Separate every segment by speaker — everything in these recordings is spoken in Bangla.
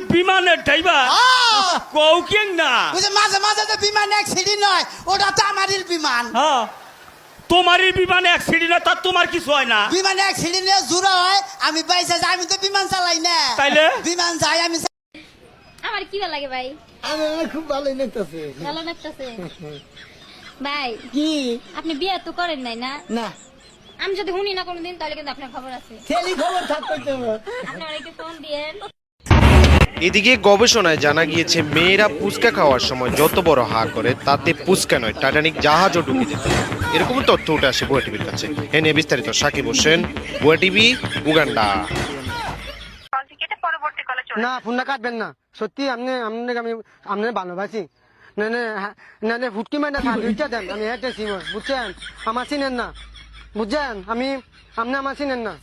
Speaker 1: বিমানের ড্রাইভার কও কেন না
Speaker 2: ওই যে মাঝে মাঝে যে বিমান অ্যাক্সিডেন্ট হয় ওটা তো আমারই বিমান।
Speaker 1: হ্যাঁ তোমারই বিমানে অ্যাক্সিডেন্ট হয়, তার তোমার কিছু হয় না?
Speaker 2: বিমান অ্যাক্সিডেন্টে জুড়া হয়, আমি বাইসে যাই, আমি তো বিমান চালাই না।
Speaker 1: তাইলে
Speaker 2: বিমান যাই আমি।
Speaker 3: আমার কি ভালো লাগে ভাই?
Speaker 4: আমার খুব ভালোই লাগতেছে।
Speaker 3: ভালো লাগতেছে ভাই।
Speaker 4: কি
Speaker 3: আপনি বিয়ে তো করেন নাই না?
Speaker 4: না
Speaker 3: আমি যদি শুনি না কোনোদিন তাহলে কিন্তু আপনার খবর আছে।
Speaker 4: ছেলে খবর থাকতে তো
Speaker 3: আপনারা একটু ফোন দিয়েন।
Speaker 5: এদিকে গবেষণায় জানা গিয়েছে মেয়েরা পুচকা খাওয়ার সময় যত বড় হা করে তাতে পুচকা নয় টাইটানিক জাহাজও ডুবে যেত। এরকম তথ্য উঠে আসে বুয়া টিভির কাছে। এ নিয়ে বিস্তারিত সাকিব হোসেন, বুয়া টিভি, উগান্ডা।
Speaker 6: না ফোনটা কাটবেন না, সত্যি আপনি আমি আপনার ভালোবাসি। না না না না ফুটকি মাইনা সার্ভিসটা দেন, আমি হেঁটেছি বুঝছেন, আমার চিনেন না বুঝছেন, আপনি আমার চিনেন না।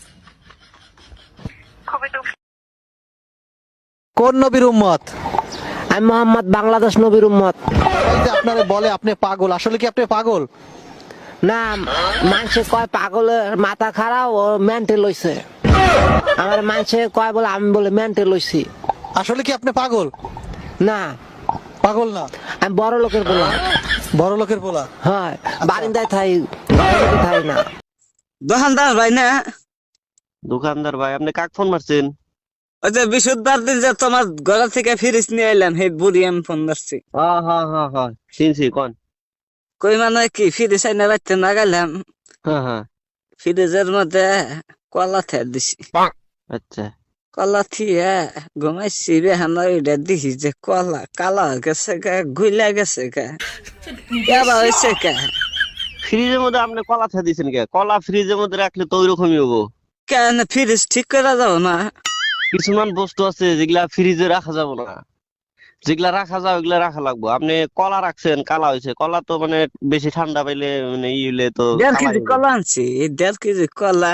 Speaker 7: কোন নবীর উম্মত?
Speaker 8: আমি মোহাম্মদ, বাংলাদেশ নবীর উম্মত।
Speaker 7: এই যে আপনারে বলে আপনি পাগল, আসলে কি আপনি পাগল?
Speaker 8: না, মানুষে কয় পাগলের মাথা খারাপ, ও মেন্টাল হইছে। আমার মানুষে কয় বলে, আমি বলে মেন্টাল হইছি।
Speaker 7: আসলে কি আপনি পাগল?
Speaker 8: না,
Speaker 7: পাগল না,
Speaker 8: আমি বড় লোকের বলা।
Speaker 7: বড় লোকের বলা?
Speaker 8: হয়, বারিন্দায় থাই, ঘরের মধ্যে থাই না।
Speaker 9: দোকানদার ভাই না?
Speaker 10: দোকানদার ভাই, আপনি কাক ফোন মারছেন?
Speaker 9: ওই যে বিশুদ্ধবার দিন যে তোমার ঘর থেকে ফিরিস নিয়ে এলাম, সেই বুড়ি আমি ফোন মারছি।
Speaker 10: হ্যাঁ চিনছি, কোন?
Speaker 9: কই মানে কি ফিরিস আইনা বাড়তে না গেলাম,
Speaker 10: হ্যাঁ
Speaker 9: ফ্রিজের মধ্যে কলা থে দিছি।
Speaker 10: আচ্ছা,
Speaker 9: কলা থিয়ে ঘুমাইছি রে, আমার ওইটা দিছি যে কলা কালা হয়ে গেছে গে, গুইলা গেছে গে, কেবা হয়েছে কে?
Speaker 10: ফ্রিজের মধ্যে আপনি কলা থা দিয়েছেন কে? কলা ফ্রিজের মধ্যে রাখলে তো ওইরকমই হবো।
Speaker 9: কেন ফ্রিজ ঠিক করে যাবো না?
Speaker 10: কিছুমান বস্তু আছে যেগুলা ফ্রিজে রাখা যাবো না, যেগুলা রাখা যাও ওগুলা রাখা লাগবো। আপনি কলা রাখছেন, কালা হয়েছে। কলা তো মানে বেশি ঠান্ডা পাইলে মানে ই হইলে তো
Speaker 9: 1.5 কেজি কলা আনছি, 1.5 কেজি কলা।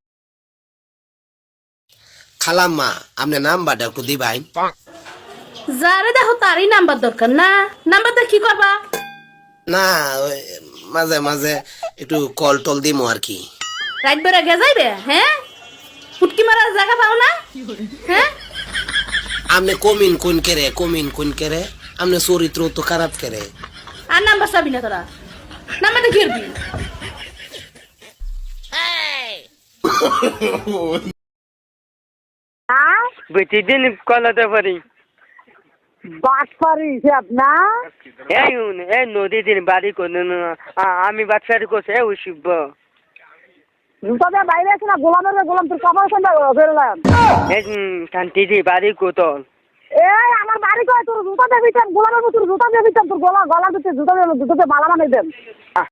Speaker 2: খালাম্মা আপনি নাম্বারটা একটু দিবাই।
Speaker 11: যারে দেখো তারই নাম্বার দরকার না, নাম্বারটা কি করবা?
Speaker 2: না ওই মাঝে মাঝে একটু কল টল দিমো আর কি।
Speaker 11: রাত বেড়া গে যাইবে? হ্যাঁ, ফুটকি মারার জায়গা পাও না? হ্যাঁ,
Speaker 2: আপনি কমিন কোন কেরে আপনি চরিত্র তো খারাপ কেরে।
Speaker 11: আর নাম্বার চাবি না তোরা, নাম্বারটা ঘিরবি।
Speaker 9: বেটি দিন কলাতে পারি
Speaker 6: বাস পারি হিসাব না।
Speaker 9: এই নদী দিন বাড়ি করে আমি বাচ্চারি করছে শিব
Speaker 6: জুতা দিয়ে বাইরে আছে না, গোলাম তোর কপাল সন্ধ্যা বেরোলাম।
Speaker 9: শান্তি দি বাড়ি কোতল
Speaker 6: এই আমার বাড়ি কয়, তোর জুতা দিয়ে দিতাম গোলামের মতো, জুতা দিয়ে দিতাম তোর গলা দিতে, জুতা দিয়ে মালা বানাই দেন।